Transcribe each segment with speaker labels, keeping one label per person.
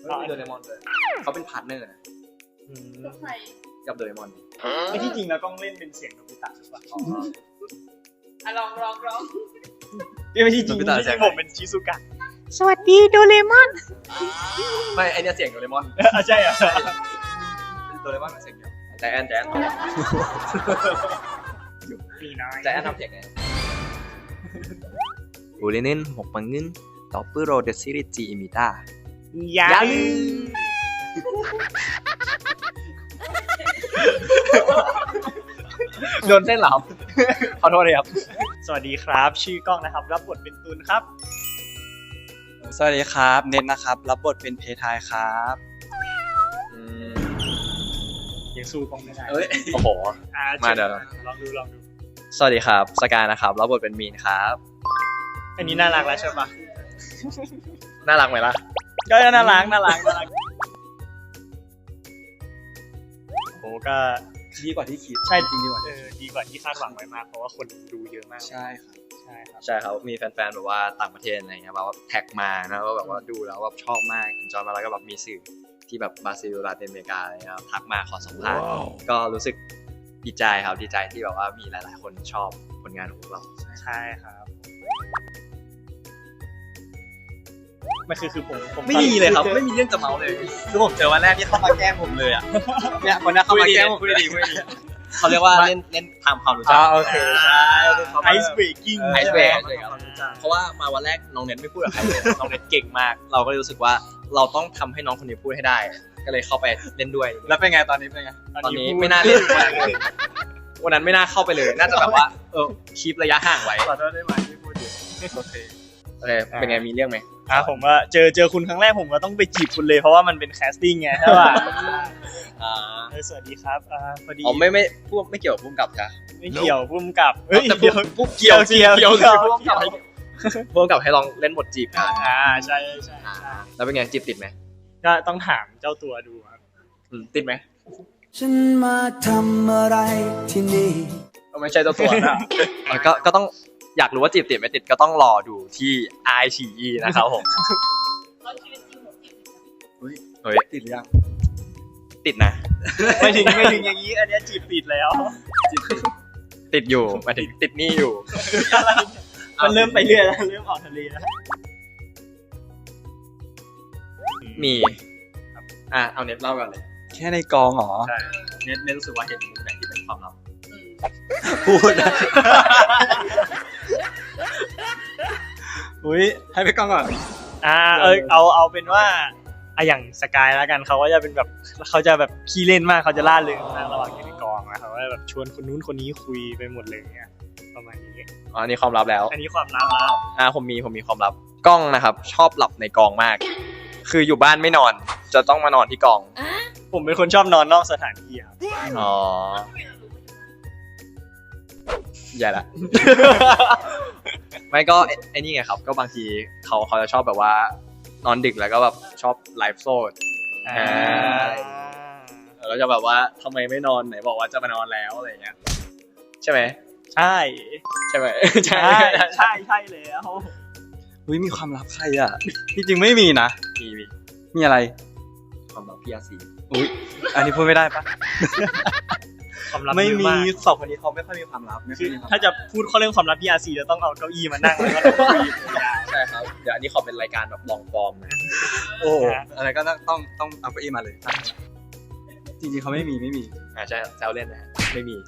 Speaker 1: โดเรมอนเลยเขาเป็นพาร์ทเนอร์นะกับโดเรมอน
Speaker 2: ไม่ที่จริงแล้วต้องเล่นเป็นเสียงโนบิตะใช่ปะ
Speaker 3: ลอง
Speaker 2: ไม่ที่จริงผมเป็นชิซุกะ
Speaker 3: สวัสดีโดเรมอน
Speaker 1: ไม่ไอเนี่ยเสียงโดเรมอน
Speaker 2: ใช่อ่ะ
Speaker 1: โดเรมอนเป็นเสียงเดียวแจน
Speaker 2: มีน้อย
Speaker 1: แจนทำเสียงไง우리는 먹방은 더블로 더 시리즈입니다.
Speaker 2: ยัง
Speaker 1: โดนเส้นเหรอครับขอโทษเลยครับ
Speaker 2: สวัสดีครับชื่อกล้องนะครับรับบทเป็นตุลครับ
Speaker 4: สวัสดีครับเน็ตนะครับรับบทเป็นเพทายครับ
Speaker 2: ยังสู้กล้องไม่ได้
Speaker 1: เอ้ยโอ้โห มาเดี๋ยว
Speaker 2: ลองดู
Speaker 1: สวัสดีครับสกายนะครับรับบทเป็นมีนครับ
Speaker 2: อันนี้น่ารักแล้วใช่ปะ
Speaker 1: น่ารักไหมล่ะ
Speaker 2: ก็น่ารักโอ้ก็
Speaker 4: ดีกว่าที่คิด
Speaker 2: ใช่จริงดีกว่าดีกว่าที่คาดหวังไว้มากเพราะว่าคนดูเยอะมาก
Speaker 4: ใช่ครับ
Speaker 2: ใช่ครับ
Speaker 1: ใช่ครับมีแฟนๆแบบว่าต่างประเทศอะไรเงี้ยแบบว่าแท็กมานะว่าแบบว่าดูแล้วแบบชอบมากจอยมาแล้วก็แบบมีสื่อที่แบบบราซิลลาตินอเมริกาอะไรเงี้ยทักมาขอสัมภาษณ์ก็รู้สึกดีใจครับดีใจที่แบบว่ามีหลายๆคนชอบผลงานของพวกเรา
Speaker 2: ใช่ครับไม่คือผม
Speaker 1: ไม่มีเลยครับไม่มีเรื่องจะเมาเลยคือผมเจอวันแรกที่เข้ามาแกล้งผมเลยอ่ะเนี่ยวันนี้เข้ามาแกล้งผมพูดดีเขาเรียกว่าเล่นทำความรู้จัก
Speaker 4: โอเคใช่
Speaker 2: ไอซ์เบรกกิ้ง
Speaker 1: ไอซ์เบรกเพราะว่ามาวันแรกน้องเน็ตไม่พูดกับใครเลยน้องเน็ตเก่งมากเราก็เลยรู้สึกว่าเราต้องทำให้น้องคนนี้พูดให้ได้ก็เลยเข้าไปเล่นด้วย
Speaker 4: แล้วเป็นไงตอนนี้เป็นไง
Speaker 1: ตอนนี้ไม่น่าเล่นเลยวันนั้นไม่น่าเข้าไปเลยน่าจะแบบว่าคีประยะห่างไว้
Speaker 4: ขอโทษได้ไหมที่พูดอยู่โอเค
Speaker 1: โอเคเป็นไงมีเรื่องไหม
Speaker 2: ผมว่าเจอคุณครั้งแรกผมก็ต้องไปจีบคุณเลยเพราะว่ามันเป็นแคสติ้งไงใช่ป่ะสวัสดีครับพอดี
Speaker 1: อ๋อไม่พูดไม่เกี่ยวกับพุ่มกับจ้ะ
Speaker 2: ไม่เกี่ยวพุ่มกับ
Speaker 1: แต่พุ่มเกี่ยวพุ่มกับให้ลองเล่นบทจีบกัน
Speaker 2: ใช่
Speaker 1: แล้วเป็นไงจีบติดไหม
Speaker 2: ก็ต้องถามเจ้าตัวดูครับ
Speaker 1: ติดไหม
Speaker 5: ฉันมาทำอะไรที่นี่
Speaker 1: ไม่ใช่เจ้าตัวนะก็ต้องอยากรู้ว่าจีบติดไม่ติดก็ต้องรอดูที่ iQIYI นะครับผมเฮ้ย
Speaker 4: ติดหรือยัง
Speaker 1: ติดนะ
Speaker 2: ไม่ถึงอย่างนี้อันนี้จีบติดแล้ว
Speaker 1: ติดอยู่หมายถึงติดหนี้อยู่
Speaker 2: มันเริ่มไปเรื่อยแล้วเริ่มออกทะเลแล้ว
Speaker 1: มีเอาเน็ตเล่ากันเลย
Speaker 4: แค่ในกองเหรอ
Speaker 1: ใช่เน็ตรู้สึกว่าเห็นมุมไหนที่เป็นความลับ
Speaker 4: พูดนะอุ้ยให้ไปกองก่อน
Speaker 2: เอาเป็นว่าอย่างสกายแล้วกันเขาก็จะเป็นแบบเขาจะแบบขี้เล่นมากเขาจะล่าเริงมากระหว่างอยู่ในกองนะเขาก็แบบชวนคนนู้นคนนี้คุยไปหมดเลยเนี่ยประมาณนี้
Speaker 1: อันนี้ความลับแล้ว
Speaker 2: อันนี้ความลับแล้ว
Speaker 1: ผมมีความลับกล้องนะครับชอบหลับในกองมาก คืออยู่บ้านไม่นอนจะต้องมานอนที่กอง
Speaker 2: ผมเป็นคนชอบนอนนอกสถานที่ครับ
Speaker 1: อ๋อใหญ่ละ ไม่ก็ไอ้นี่ไงครับก็บางทีเขาจะชอบแบบว่านอนดึกแล้วก็แบบชอบไลฟ์โซดแล้วจะแบบว่าทำไมไม่นอนไหนบอกว่าจะมานอนแล้วอะไรเงี้ยใช่ไหม
Speaker 2: ใช่
Speaker 1: ใช่ไหม
Speaker 2: ใช่แล้ว
Speaker 4: อุ้ยมีความลับใครอ่ะที่จริงไม่มีนะมีอะไร
Speaker 1: ความลับพี่อาซี
Speaker 4: อุ้ยอันนี้พูดไม่ได้ปะ
Speaker 2: ความลับ
Speaker 4: ไม่มี
Speaker 2: าก
Speaker 4: สองคนนี้เขาไม่ค่อยมีความลับ
Speaker 2: คือถ้าจะพูดข้อเรื่องความลับพี่อาซีจะต้องเอาเก้าอี้มานั่งแล้วก็คุย
Speaker 1: ใช่ครับเดี๋ยวอันนี้ขอเป็นรายการแบบลองฟอร์มนะ
Speaker 4: โอ้อะไรก็ต้องเอาเก้าอี้มาเลยจริงๆเขาไม่มี
Speaker 1: ใช่แซวเล่นนะไม่มี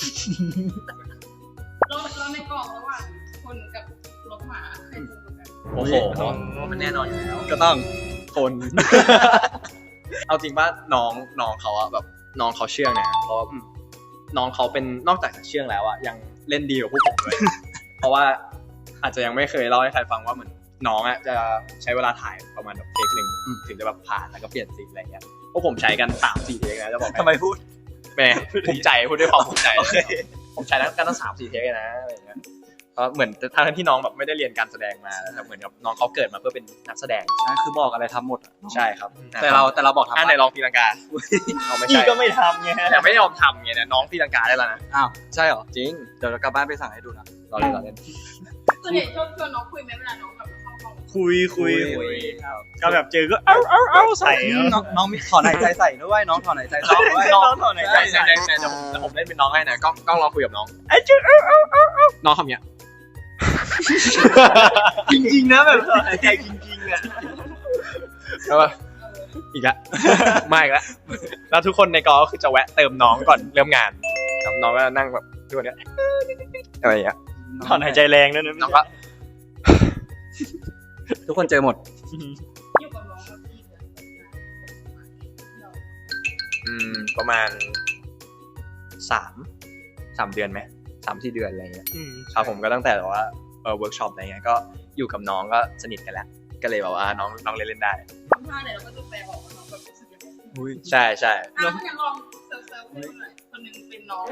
Speaker 3: เราในกล่องระหว่างคนกับรถหมาใครถูกกว่ากัน
Speaker 1: โอ้โหมันแน่นอนอยู่แล้ว
Speaker 4: ก็ต้องคน
Speaker 1: เอาจริงป่ะน้องเขาอะแบบน้องเขาเชื่องนะเพราะน้องเขาเป็นนอกจากจะเชื่องแล้วอะยังเล่นดีกว่าพวกผมเลย เพราะว่าอาจจะยังไม่เคยเล่าให้ใครฟังว่าเหมือนน้องอะจะใช้เวลาถ่ายประมาณแบบเทคหนึ่งถึงจะแบบผ่านแล้วก็เปลี่ยนซีนอะไรเงี้ยพวกผมใช้กัน 3-4 เทคนะจะบอก
Speaker 4: ทำไมพูด
Speaker 1: แม่ภูมิใจพูดด้วยความภูมิใจผมใช้กันตั้ง 3-4 เทคเลยนะอะไรเงี้ยเพราะเหมือนทั้งที่น้องแบบไม่ได้เรียนการแสดงมาแต่เหมือนกับน้องเขาเกิดมาเพื่อเป็นนักแสดง
Speaker 4: นั่นคือบอกอะไรทำหมด
Speaker 1: ใช่ครับ
Speaker 4: แต่เราบอกทำ
Speaker 1: ไหนลองตีลังกาเอาไม่
Speaker 2: พี่
Speaker 1: ใช่
Speaker 2: ก็ไม่ทำไง
Speaker 1: แต่ไม่ยอมทำไงเนี่ยน้องตีลังกาได้แล้วนะ
Speaker 4: อ้าวใช่เหรอ
Speaker 1: จริง
Speaker 4: เดี๋ยวเรากลับบ้านไปสั่งให้ดูนะ
Speaker 1: รอเล่น
Speaker 3: ส่วนใหญ่ชวนน้องคุยไหมเวลาน้องแบบเข้าห้อง
Speaker 2: คุย
Speaker 1: ครับ
Speaker 2: ก็แบบเจอก็เอาใส่แล้ว
Speaker 4: น้องมีถอนหายใจใส่ด้วยน้องถอนหายใจใส่ด้วย
Speaker 2: น้องถอนหายใจใส่
Speaker 1: เดี๋ยวผมเล่นเป็นน้องให้นะกล้องลองคุยกับน้อง
Speaker 2: ไอ้เจ้าเอา
Speaker 1: น้องทำเนี้ย
Speaker 2: จริงๆนะแบบถอนหายใจจริงๆอ่ะ
Speaker 1: แล้วก็อีกละ มาอีกแล้วแล้วทุกคนในกองก็คือจะแวะเติมน้องก่อนเริ่มงานครับน้องก็นั่งแบบทุกคนเนี้ยอะไรอย่างเงี้ย
Speaker 2: ถอนหายใจแรงนั่นนะ
Speaker 1: น้องก็
Speaker 4: ทุกคนเจอหมด
Speaker 3: อยู่กับน้องกับพี่เนี่ย
Speaker 1: ประมาณ3 เดือนไหม3-4 เดือนอะไรเงี้ยครับผมก็ตั้งแต่แบบว่าเวิร์กช็อปอะไรเงี้ยก็อยู่กับน้องก็สนิทกันแล้วก็เลยแบบว่าน้องเล่นได้
Speaker 3: ทำท่าไหนเราก็จะแปลออกว่าน้องแบบรู้สึกยังไง
Speaker 1: ใช่ใช่
Speaker 3: งั้นลองเซิร์ฟให้ดูหน่อยคนหนึงเป็นน้อง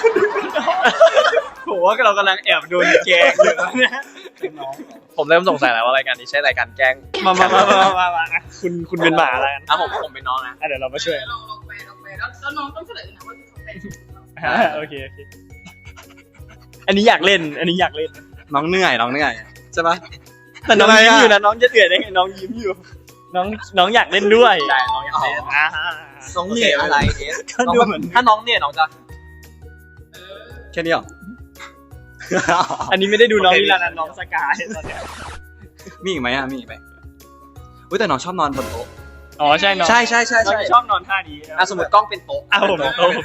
Speaker 2: ผมว่าเรากำลังแอบโดนแกล้งอยู่เนี่ย
Speaker 1: ผมเริ่มสงสัยแล้วว่ารายการนี้ใช่รายการแกล้ง
Speaker 2: มาคุณเป็นหมาแล้วกัน
Speaker 1: ผมเป็นน้องนะ
Speaker 2: เดี๋ยวเรามาช่วย
Speaker 3: ลองแปลแล้วน้องต้องเฉลยนะว่าที่เขาเป็น
Speaker 2: โอเคอันนี้อยากเล่น
Speaker 4: น้องเหนื่อยใช่ปะ
Speaker 2: แต่น้องยิ้มอยู่นะน้องจะเดือดได้ไงน้องยิ้มอยู่ น้องอยากเล่นด้วย
Speaker 1: ใช่น้องอยากเล่น
Speaker 4: น้องเหนื่อยอะไรเนี่ย
Speaker 2: ก็ดูเหมือน
Speaker 1: ถ้าน้องเนี่ยน้องจะ
Speaker 4: แค่นี้หรอ
Speaker 2: อันนี้ไม่ได้ดูน้องนี่แล้วนะน้องสกายตอนเนี้ย
Speaker 4: มีอีกไหมมีอีกไหมอุ้ยแต่น้องชอบนอนบนโต๊ะ
Speaker 2: อ๋อใช่น้อง
Speaker 4: ใช่
Speaker 2: น้องชอบนอนท่านี้
Speaker 1: สมมติกล้องเป็นโต๊ะ
Speaker 2: ผม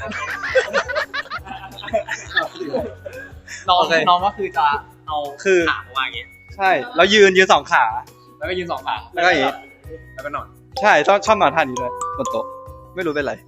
Speaker 1: น้องก็คือจะเอา
Speaker 4: คือ
Speaker 1: ขามาวางอย่างงี้
Speaker 4: ใช่แล้วยืนสองขา
Speaker 1: แล้วก็ยืน2 ขา
Speaker 4: แล้วก็อย่างงี้
Speaker 1: แล้วก็นอน
Speaker 4: ใช่ชอบนอนท่านี้เลยบนโต๊ะไม่รู้เป็นไร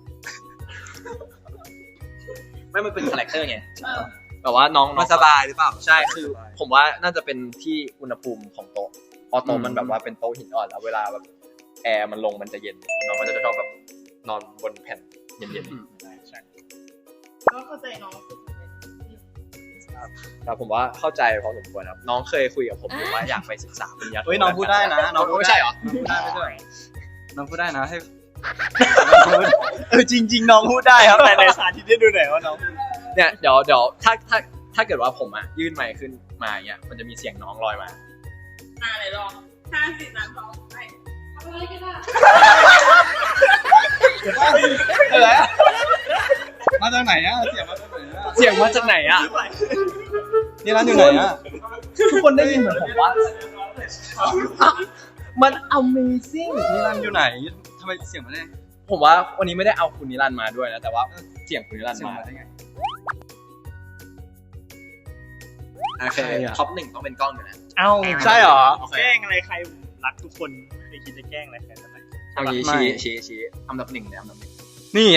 Speaker 1: ไม่มันเป็นคาแรคเตอร์ไงแบบว่าน้อง
Speaker 4: มันสบายหรือเปล่า
Speaker 1: ใช่คือผมว่าน่าจะเป็นที่อุณหภูมิของโต๊ะพอโต๊ะมันแบบว่าเป็นโต๊ะหินอ่อนแล้วเวลาแบบแอร์มันลงมันจะเย็นน้องก็จะชอบแบบนอนบนแผ่นเย็นๆใช่
Speaker 3: ก็เข้าใจน้องคือเป็น
Speaker 1: แต่ผมว่าเข้าใจพอสมควรครับน้องเคยคุยกับผมอยู่ว่าอยากไปศึกษาปริญญาโท
Speaker 4: เฮ้ยน้องพูดได้นะน้องพูด
Speaker 1: ไม่ใช่เหรอ
Speaker 4: น้องพูดได้นะให้
Speaker 2: จริงๆน้องพูดได้ครับแต่ในสาธิตให้ดูหน่อยว่าน้อง
Speaker 1: เนี่ยเดี๋ยวถ้าเกิดว่าผมยื่นไมค์ขึ้นมาอย่างเงี้ยมันจะมีเสียงน้องลอยมา
Speaker 3: ไหนลอง5 4 3 2ไปทำอะไรกันล่ะ
Speaker 1: อะไร
Speaker 4: มาจากไหนอะเสียงมาจากไหนอะ
Speaker 1: เสียงมาจากไหนอ่ะ
Speaker 4: นี่ร้านอยู่ไหนอะ
Speaker 1: ทุกคนได้ยินเหมือนผมว่ามัน Amazing
Speaker 4: นี่ร้านอยู่ไหนทำไมเสียงมาได้
Speaker 1: ผมว่าวันนี้ไม่ได้เอาคุณนิรันดร์มาด้วยนะแต่ว่าเสียงคุณนิรันดร์
Speaker 4: เสียง
Speaker 1: มา
Speaker 4: มาได้ไง
Speaker 1: โอเคท็อป 1ต้องเป็นกล้องอยู่แล้ว
Speaker 2: เอ้า
Speaker 1: ใช่เหรอ
Speaker 2: แกล้งอะไรใครผมรักทุกคนไม่เคยคิดจะแกล้งอะไรใครสักหน่อย
Speaker 1: เอางี้ชี้อันดับ 1เลยอันดับ 1
Speaker 4: นี่ไง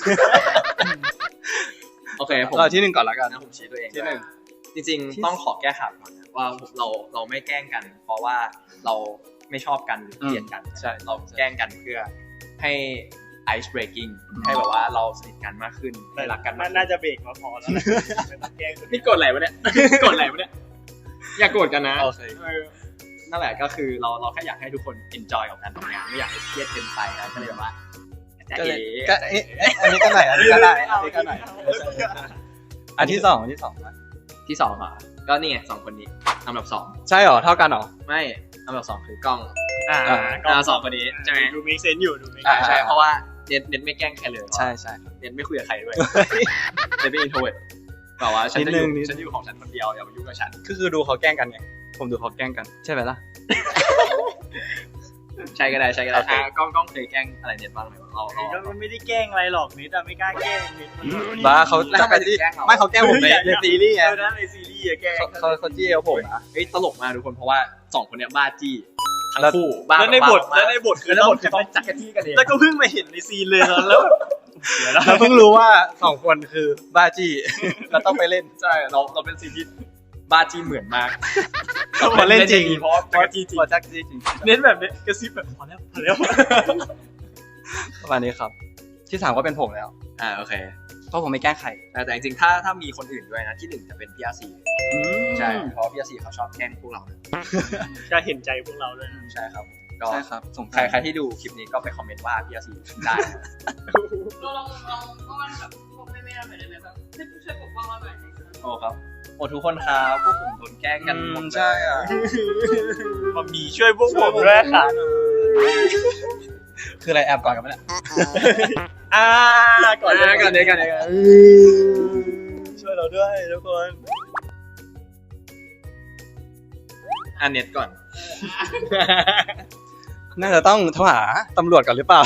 Speaker 1: โอเคผม
Speaker 4: เราที่หนึ่งก่อนละกัน
Speaker 1: นะผมชี้ตัวเอง
Speaker 4: ที่หนึ่ง
Speaker 1: จริงๆต้องขอแก้ข่าวก่อนนะว่าเราไม่แกล้งกัน เพราะว่าเราไม่ชอบกันหรือเกลียดกันใช่เราแกล้งกันเพื่อให้ ice breaking ให้แบบว่าเราสนิทกันมากขึ้นให้รักกันมากขึ้น
Speaker 2: น่าจะเบรกมาพอแล้วนะไม่ต้องแกล้งคน
Speaker 1: นี่โกรธอะไรวะเนี่ย โกรธอะไรวะเนี่ยอย่าโกรธกันนะ
Speaker 4: โอเค
Speaker 1: นั่นแหละก็คือเราแค่อยากให้ทุกคน enjoy กับการทำงานไม่อยากให้เครียดเกินไปนะก็เลยแบบว่า
Speaker 4: ก็เลยก็อันนี้ก็ไหนอันนี้ก็ได้อันนี้ก็ไหนอันที่สองนะ
Speaker 1: ที่2อ่ะก็นี่ไง2 คนนี้อันดับ
Speaker 4: ใช่หรอเท่ากันหรอ
Speaker 1: 2ไม่อันดับ 2 คือกล้อง
Speaker 2: ก็
Speaker 1: สองคนนี้ใช่ไหม
Speaker 2: ดูมีเซนอยู่ดูมี
Speaker 1: ใช่เพราะว่าเน็ตไม่แกล้งใครเลย
Speaker 4: ใช่
Speaker 1: เน็ตไม่คุยกับใครด้วยเน็ตเป็น introvert แต่ว่าฉันจะอยู่ของฉันคนเดียวอย่ามายุ่งกับฉัน
Speaker 4: คือดูเขาแกล้งกันไงผมดูเขาแกล้งกันใช่ไหมล่ะ
Speaker 1: ใช่ก็ได้
Speaker 4: โอเค
Speaker 1: กล้องเคยแกล้งอะไรเน็ตบ้างไหมเรา
Speaker 2: ก็มันไม่ได้แกล้งอะไรหรอกนิดอะไม่กล้าแกล้งนิด
Speaker 4: บ้าเขาจะไปที่ไม่เขาแกล้งผมในซีรีส์ไง
Speaker 2: นะในซีรีส์อะแกล้ง
Speaker 4: เขาจี้เอวผมนะ
Speaker 1: เฮ้ยตลกมากทุกคนเพราะว่า2 คนเนี้ยบ้าจี้ทั้งคู่บ้า
Speaker 2: แล้วในบทคือ
Speaker 1: ต้องจักรจี้กันเอง
Speaker 2: แล้วก็เพิ่งมาเห็นในซีนเลยแล้ว
Speaker 4: เราเพิ่งรู้ว่า2 คนคือบ้าจี้เราต้องไปเล่น
Speaker 1: ใช่เราเป็นซีนที่บ้าจี้เหมือนมาก
Speaker 2: พอเล่นจริง
Speaker 1: เพราะจักรจี้จริง
Speaker 4: พอจักจี้จริง
Speaker 2: เน้นแบบนี้กระซิบแบบพอแล้ว
Speaker 4: ประมาณนี้ครับที่3ก็เป็นผมแล้ว
Speaker 1: โอเค
Speaker 4: เพราะผมไม่แกล้งใคร
Speaker 1: แต่จริงๆถ้ามีคนอื่นด้วยนะที่1จะเป็นพี่อาซีใช่เพราะพี่อาซีเขาชอบแกล้งพวกเรานะ
Speaker 2: ก็เห็นใจพวกเราเลย
Speaker 1: ใช่ครับก็
Speaker 4: ใช่ครับส่ง
Speaker 1: ใครที่ดูคลิปนี้ก็ไปคอมเมนต์ว่าพี่อาซีได้
Speaker 3: เราลองอ้อนแบบพวกแม่ๆหน่อยได้ไหมแบบช่วยปกป้องเราหน่อย
Speaker 1: โอ้ครับโอ้ทุกคนครับพวกผมโดนแกล้งกันหมดเลย
Speaker 4: ใช่อ่ะ
Speaker 2: มามีช่วยพวกผมด้วยค่ะ
Speaker 4: คืออะไรแอบก่อนกันไหมเนี่ย
Speaker 2: ก่อนเลย
Speaker 1: ก่อนเลย
Speaker 2: ช่วยเราด้วยทุกคน
Speaker 1: อันเน็ตก่อน
Speaker 4: น่าจะต้องโทรหาตำรวจก่อนหรือเปล่า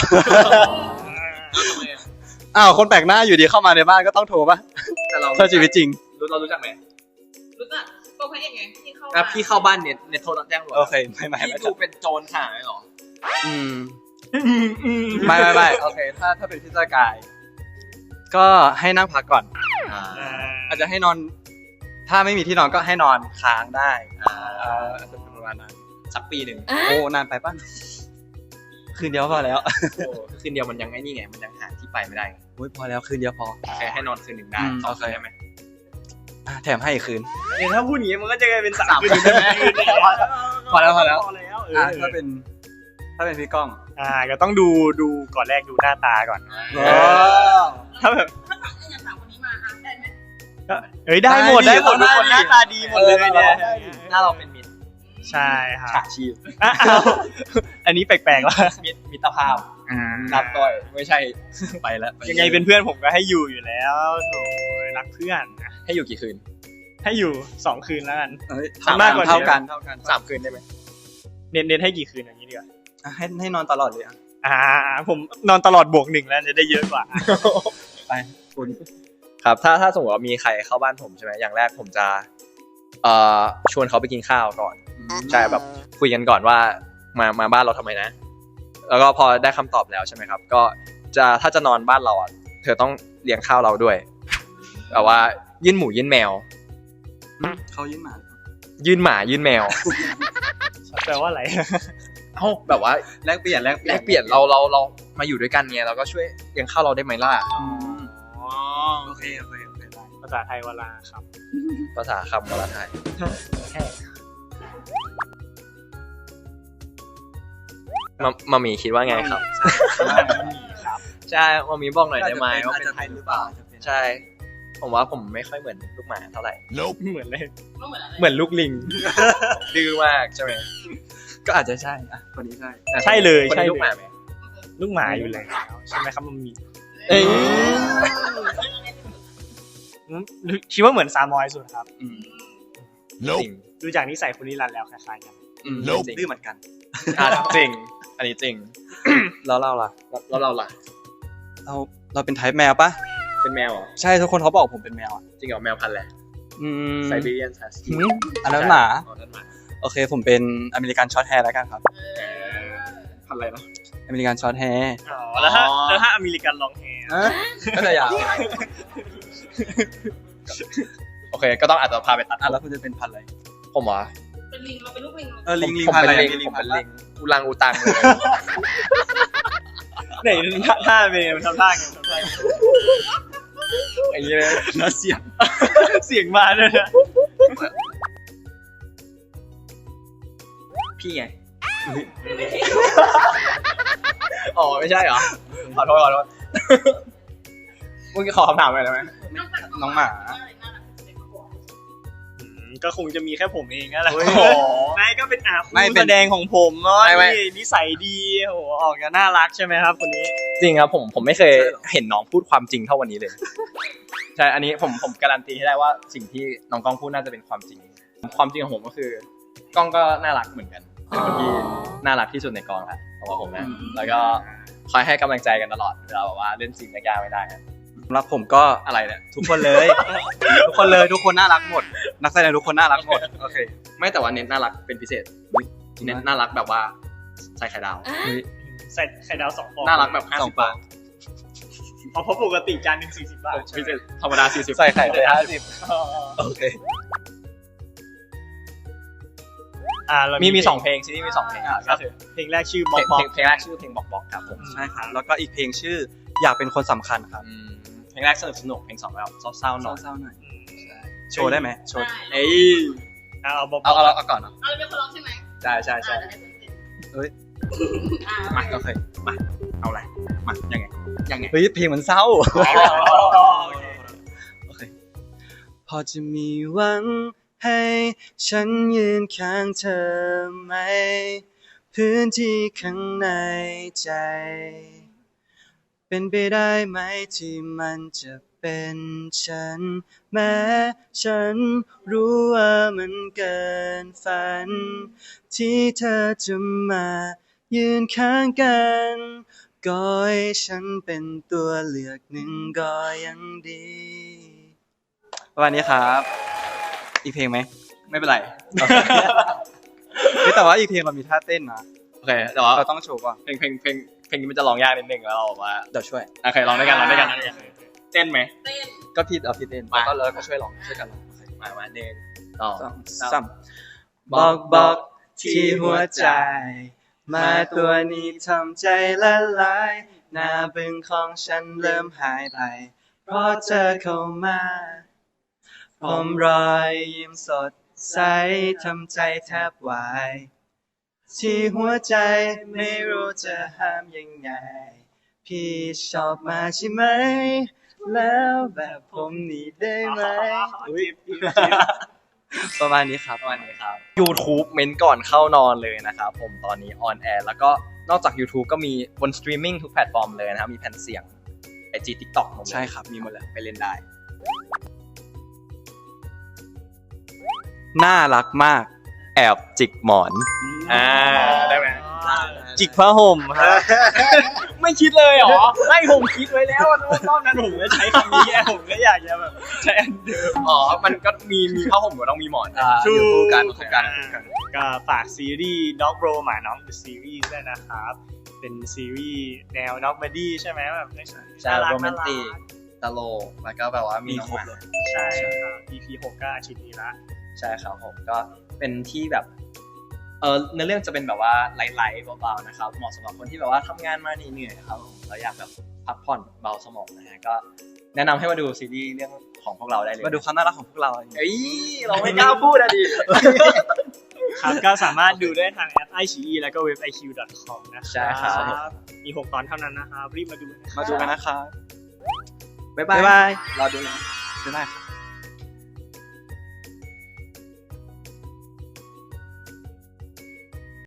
Speaker 4: อ้าวคนแปลกหน้าอยู่ดีเข้ามาในบ้านก็ต้องโทรป่ะ
Speaker 1: แต่เรา
Speaker 4: ถ้าชีวิตจริง
Speaker 1: เรารู้จักไหม
Speaker 3: รู้จักตัวพระเอกไงที่เข้า
Speaker 1: อ่ะพี่เข้าบ้านเน็ตโทรแจ้งตำรวจ
Speaker 4: โอเคไม่
Speaker 1: พี่ดูเป็นโจรขนาดนั้นเหรอ
Speaker 4: อืมไม่โอเคถ้าเป็นพี่สกายก็ให้นั่งพักก่อน อาจจะให้นอน ถ้าไม่มีที่นอนก็ให้นอนค้างได้อาจจะเป็นประมาณนั้น
Speaker 1: สักปีหนึ่ง
Speaker 4: โอ้นานไปป่ะคืนเดียวพอแล้ว
Speaker 1: คืนเดียวมันยังไงนี่ไงมันยังหาที่ไปไม่ได้
Speaker 4: โอ้ยพอแล้วคืนเดียวพอ
Speaker 1: แค่ให้นอนคืนหนึ่งได้
Speaker 4: อืม
Speaker 1: สอง
Speaker 4: โอเค
Speaker 1: คืนได้ไหม
Speaker 4: แถมให้อีกคืน
Speaker 2: เนี่ยถ้าพูดอย่างนี้มันก็จะกลายเป็นสาม
Speaker 1: สาม
Speaker 2: คืน
Speaker 1: คืนได้ไหม
Speaker 4: พอแล้ว
Speaker 2: พอแล้ว
Speaker 4: ถ้าเป็นพี่ก้อง
Speaker 2: ก็ต้องดูก่อนแรกดูหน้าตาก่อน ถ้าแบบ
Speaker 3: ถ้าถามอย่างสามคนนี้มาได้ไหม
Speaker 2: เฮ้ยได้หมดทุกคนหน้าตาดีหมดเลยเนี่ย
Speaker 1: ถ้าเราเป็นมิตร
Speaker 2: ใช่ครับ
Speaker 1: ฉาชีพ
Speaker 2: อ้าวอันนี้แปลกๆว่ะ
Speaker 1: มิตรภาพนับต่อยไม่ใช่ไปแล้ว
Speaker 2: ยังไงเป็นเพื่อนผมก็ให้อยู่แล้วโถ่รักเพื่อนนะ
Speaker 1: ให้อยู่กี่คืน
Speaker 2: ให้อยู่2 คืนแล้วกัน
Speaker 4: สาม
Speaker 2: มากกว่านี้
Speaker 4: เท่ากัน
Speaker 1: 3 คืนได้ไหม
Speaker 2: เน้นให้กี่คืนอย่างนี้ดีกว่า
Speaker 4: ให้นอนตลอดเลยอ่ะ
Speaker 2: ผมนอนตลอด+1แล้วจะได้เยอะกว่า
Speaker 4: ไปคุณ
Speaker 1: ครับถ้าสมมติว่ามีใครเข้าบ้านผมใช่ไหมอย่างแรกผมจะชวนเขาไปกินข้าวก่อนใช่แบบคุยกันก่อนว่ามาบ้านเราทำไมนะ แล้วก็พอได้คำตอบแล้วใช่ไหมครับ ก็ถ้าจะนอนบ้านเราอ่ะเธอต้องเลี้ยงข้าวเราด้วยแบบว่ายื่นหมูยื่นแมว
Speaker 4: เขายื่นหมา
Speaker 1: ยื่นหมายื่นแมว
Speaker 2: แปลว่าอะไร
Speaker 1: เอ้าแบบว่า
Speaker 4: แลกเปลี่ยน
Speaker 1: เรามาอยู่ด้วยกันไงเราก็ช่วยเลี้ยงข้าวเราได้ไหมล่ะ
Speaker 4: โอเคได้
Speaker 2: ภาษาไทยวลาครับ
Speaker 1: ภาษาคำภาษาไทย
Speaker 2: แค่
Speaker 1: มามีคิดว่าไงครับ
Speaker 2: ครับ
Speaker 1: ใช่มามีบอกหน่อยได้ไหมว่า
Speaker 4: อาจ
Speaker 1: เป็น
Speaker 4: จะ
Speaker 1: ไท
Speaker 4: เป็น
Speaker 1: ย
Speaker 4: ห
Speaker 1: ห
Speaker 4: รื
Speaker 1: รือ อ
Speaker 4: เป
Speaker 1: เป
Speaker 4: ล่า
Speaker 1: ล่าใช่ ผมว่าผมไม่ค่อยเหมือนลูกหมาเท่าไหร่
Speaker 2: เหมือนเลย
Speaker 3: ก็เหมือนอะไร
Speaker 2: เหมือนลูกลิง
Speaker 1: ดื้อมากใช่ไหม
Speaker 4: ก็อาจจะใช่อ่ะคนนี้ใช่
Speaker 2: ใช่เลย
Speaker 1: คน
Speaker 2: ใช่
Speaker 1: นี้
Speaker 2: เล
Speaker 1: ลูกหมาย ไหม
Speaker 2: ลูกหมาอยู่แล้วใช่ไหมครับมันมี
Speaker 1: เอ้ย
Speaker 2: คิดว่าเหมือนซามอยสุดครับ
Speaker 1: จริง
Speaker 2: ดูจากนิสัยคุณนิรันดร์แล้วคล้ายๆกัน
Speaker 4: ดื้อเหมือนกัน
Speaker 1: จริงอันนี้จริง
Speaker 4: แล้วเราล่ะ
Speaker 1: แล้วเราล่ะ
Speaker 4: เราเป็นไทป์แมวปะ
Speaker 1: เป็นแมวเหรอ
Speaker 4: ใช่ทุกคนเขาบอกผมเป็นแมวอ่ะ
Speaker 1: จริงเหรอแมวพันธุ์อะไร
Speaker 4: ไซ
Speaker 1: ไซบีเรียนฮัสกี้
Speaker 4: อันนั้นหมา
Speaker 1: นั่นหมา
Speaker 4: โอเคผมเป็นอเมริกันช็อตแฮร์แล้วกันครับ
Speaker 1: พันธุ์อะไรนะ
Speaker 4: อเมริกันช็อตแฮร์
Speaker 2: แล้วถ้าอเมริกันลองแฮร์
Speaker 4: ก็จะยาว
Speaker 1: โอเคก็ต้องอาจจะพาไปตัด
Speaker 4: แล้วคุณจะเป็นพันธุ์อะไร
Speaker 1: ผมเหรอ
Speaker 3: เป็นลิงเราเป็นลูกลิง
Speaker 4: ลิง
Speaker 1: ผม
Speaker 4: พันธุ์
Speaker 1: เป็น
Speaker 4: อะไร
Speaker 1: ลิงผมเป็นลิงอุลังอุตังเลย
Speaker 2: ไหนท่าเป็นไงทำท่าไงทำท่าไง
Speaker 1: ไอ้เงี้ย
Speaker 4: แล้วเสียง
Speaker 2: เสียงมาด้วยนะ
Speaker 1: พี่ไงอ๋อไม่ใช่เหรอขอโทษมึงขอคำถามอะไรได้ไหม
Speaker 4: น้องหมา
Speaker 2: ก็คงจะมีแค่ผมเองนั่นแหละ
Speaker 1: โอ้ย
Speaker 2: ไม่ก็เป็น
Speaker 4: ไม่เป็น
Speaker 2: แสดงของผมเนาะ
Speaker 1: ไม่
Speaker 2: นี่นิสัยดีโอ้โหออกจะน่ารักใช่ไหมครับคนนี้
Speaker 1: จริงครับผมไม่เคยเห็นน้องพูดความจริงเท่าวันนี้เลย ใช่อันนี้ผมการันตีให้ได้ว่าสิ่งที่น้องก้องพูดน่าจะเป็นความจริง ความจริงของผมก็คือกล้องก็น่ารักเหมือนกันเป็นคนที่น่ารักที่สุดในกองครับสำหรับผมนะแล้วก็คอยให้กำลังใจกันตลอดเวลาแบบว่าเล่นซีนยากๆไม่ได้ครับ
Speaker 4: สำหรับผมก็
Speaker 1: อะไรเนี่ย
Speaker 4: ทุกคนเลย ทุกคนน่ารักหมด นักแสดงทุกคนน่ารักหมดโอเค
Speaker 1: ไม่แต่ว่าเน้นน่ารักเป็นพิเศษเน้นน่ารักแบบว่าใส่ไข่ดาว
Speaker 2: ใส่ไข่ดาว2 ฟอง
Speaker 1: น่ารักแบบ
Speaker 4: สอง
Speaker 1: 50 บาท
Speaker 2: เพราะปกติจานหนึ่ง40 บาท
Speaker 1: พิเศษธรรมดา40
Speaker 4: ใส่ไข่ไป50
Speaker 2: อ๋อ
Speaker 4: โอเค
Speaker 2: เรา
Speaker 1: มี
Speaker 2: มี
Speaker 1: 2เพลงซีรีส์มี2เพลง
Speaker 2: ก็คือเพลงแรกชื่อบอกบอก
Speaker 1: เพลงแรกชื่อเพลงบอกครับผม
Speaker 4: ใช่ครับแล้วก็อีกเพลงชื่ออยากเป็นคนสำคัญครับ
Speaker 1: เพลงแรกสนุกเพลง2แบบเศร้าๆหน่อย
Speaker 4: เศร้าๆหน่อยโชว์ได้ไหมโชว์
Speaker 1: เอ้ย
Speaker 2: เอาบอก
Speaker 1: เอาก่อนเนาะ
Speaker 3: เราเป็นคนร้องใช่ไหม
Speaker 1: ใช่ใช่ใช่
Speaker 4: มาโอเคมา
Speaker 1: เอาอะไรมายังไง
Speaker 4: เฮ้ยเพลงมันเศร้าโอเคพอจะมีหวังให้ฉันยืนข้างเธอไหมพื้นที่ข้างในใจ เป็นไปได้ไหมที่มันจะเป็นฉันแม้ฉันรู้ว่ามันเกินฝัน ที่เธอจะมายืนข้างกันก็ให้ฉันเป็นตัวเลือกหนึ่งก็ยังดีประมาณนี้ครับ อีกเพลงไหมไม่เป็นไร แต่ว่าอีกเพลงเรามีท่าเต้นนะ
Speaker 1: โอเคแต่ว่า
Speaker 4: เราต้องโชว์ก่อน
Speaker 1: เพลงนี้มันจะร้องยากนิดนึงแล้วเราบอกว่า
Speaker 4: เดี๋ยวช่วย
Speaker 1: โอเคร้องด้วยกันเต้นไหม
Speaker 3: เต้น
Speaker 4: ก็พี่เอาพี่เต้น
Speaker 1: มา
Speaker 4: แล้วก็เราก็ช่วยร้องช่วยกันร้อง
Speaker 1: มาหนึ่งสอง
Speaker 4: สามบอกที่หัวใจ มาตัวนี้ทำใจละลายหน้าบึ้งของฉันเริ่มหายไปเพราะเธอเข้ามาผมรอยยิ้มสดใสทำใจแทบวายที่หัวใจไม่รู้จะห้ามยังไงพี่ชอบมาใช่ไหมแล้วแบบผมนี่ได้ไหมประมาณนี้ครับ
Speaker 1: YouTube เม้นก่อนเข้านอนเลยนะครับผมตอนนี้ออนแอร์แล้วก็นอกจาก YouTube ก็มีบนสตรีมมิ่งทุกแพลตฟอร์มเลยนะครับมีแผ่นเสียง IG TikTok หมดเลย
Speaker 4: ใช่ครับมีหมดเลย
Speaker 1: ไปเล่นได้
Speaker 4: น่ารักมาก
Speaker 1: แอบจิกหมอนได้ไหม
Speaker 2: จิกผ้าห่มครับ
Speaker 1: ไม่คิดเลยเหรอ
Speaker 2: ไม่ผมคิดไว้แล้วรอบนั้นผมจะใช้คำนี้ผมก็อยากจะแบบใช้อันเดิม
Speaker 1: อ๋อมันก็มีผ้าห่มก็ต้องมีหมอน
Speaker 2: อยู่คู่กัน
Speaker 1: กัน
Speaker 2: ก็ฝากซีรีส์ Dog Bro หมาน้อง The Series ด้วยนะครับ เป็นซีรีส์แนว Dog Buddy ใช่ไหมแบบ
Speaker 1: ใช่โรแมนติกตลกแล้วก็แบบว่ามีน้องหมา
Speaker 2: ใช่ครับ EP 6ก็อาทิตย์นี้ละ
Speaker 1: ใช่ครับผมก็เป็นที่แบบเนื้อเรื่องจะเป็นแบบว่าไลท์ๆเบาๆนะครับเหมาะสำหรับคนที่แบบว่าทำงานมาเหนื่อยๆครับผมแล้วอยากแบบพักผ่อนเบาสมองนะฮะก็แนะนำให้มาดูซีรีส์เรื่องของพวกเราได้เลย
Speaker 4: มาดูความน่ารักของพวกเรา
Speaker 1: เอ้ยเราไม่กล้าพูดอะดิ
Speaker 2: ครับก็สามารถดูได้ทางแอป iQIYI แล้วก็เว็บ iq.com นะครับ
Speaker 1: ใช่ครับ
Speaker 2: มี 6 ตอนเท่านั้นนะครับ รีบมาดูนะครับ
Speaker 4: มาดูกันนะครับ
Speaker 1: บ๊าย
Speaker 4: บ๊าย
Speaker 1: บา
Speaker 4: บาย ย
Speaker 1: รอดูนะ
Speaker 4: บ๊ายบายครับ